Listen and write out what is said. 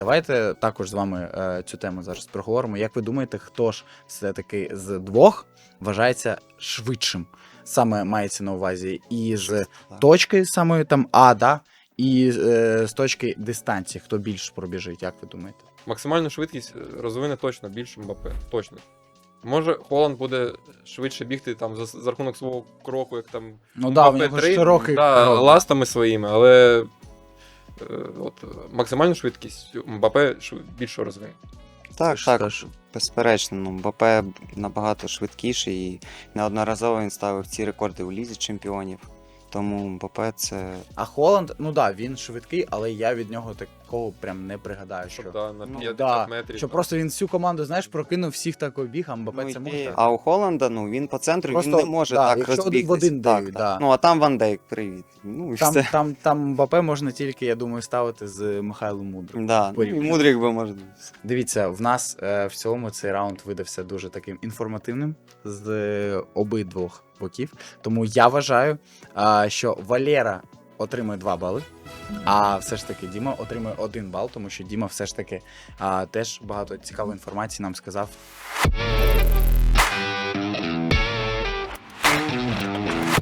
Давайте також з вами цю тему зараз проговоримо. Як ви думаєте, хто ж все-таки з двох вважається швидшим? Саме мається на увазі і з точки самої там А, да? І з точки дистанції, хто більше пробіжить, як ви думаєте? Максимальну швидкість розвине точно більше Мбаппе. Точно. Може, Холланд буде швидше бігти там за рахунок свого кроку, як там Ну да, в Мбаппе нього широкий крок. ластами своїми, але от, максимальну швидкість Мбаппе більше розвине. Так, Тож, так, теж. безперечно. Ну, Мбаппе набагато швидкіший і неодноразово він ставив ці рекорди у Лізі Чемпіонів. Тому Мбаппе це... А Холланд, ну да, він швидкий, але я від нього такого прям не пригадаю, що... Щоб на Ну, 50 Да, метрів. що там. просто він всю команду, знаєш, прокинув всіх так обіг, а Мбаппе Ну, це і- може. А у Холланда, ну, він по центру, Просто, він не може да, так якщо один в розбігтись. один Так, дають, так. да. Ну, а там Ван Дейк, привіт. Ну, і все. Там Мбаппе можна тільки, я думаю, ставити з Михайлом Мудрим. Да, ну, і порівняно. Мудрик би може. Дивіться, в нас в цілому цей раунд видався дуже таким інформативним з обидвох боків. Тому я вважаю, що Валера отримує 2 бали, а все ж таки Діма отримує 1 бал, тому що Діма все ж таки теж багато цікавої інформації нам сказав.